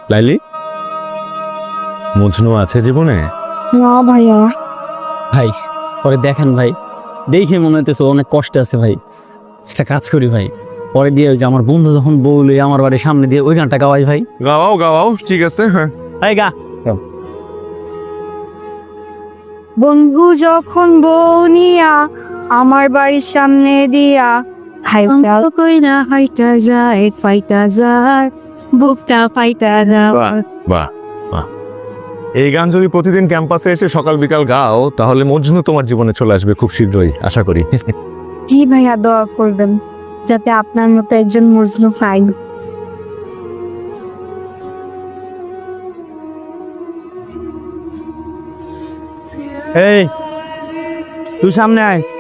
লাইলি, মজনু আছে জীবনে? না ভাইয়া। ভাই পরে দেখেন ভাই, দেখে মনে হইতেছে অনেক কষ্ট আছে ভাই। একটা কাজ করি ভাই, পরে দিয়ে ওই যে আমার বন্ধু যখন বউলে আমার বাড়ির সামনে দিয়ে ওই গানটা গাওয়াই ভাই। গাওয়াও গাওয়াও, ঠিক আছে। হ্যাঁ, এই গা। বন্ধু যখন বউ নিয়া আমার বাড়ির সামনে দিয়া হাইটা কইরা হাইটা যায় ফাইটা যায় বুকটা ফাইটা যায়। বাহ বাহ। এই গান যদি প্রতিদিন ক্যাম্পাসে এসে সকাল বিকাল গাও, তাহলে মজনু তোমার জীবনে চলে আসবে খুব শীঘ্রই, আশা করি। জি ভাইয়া, দোয়া করবেন যাতে আপনার মতো একজন মজনু পাই। এই তুই সামনে আয়।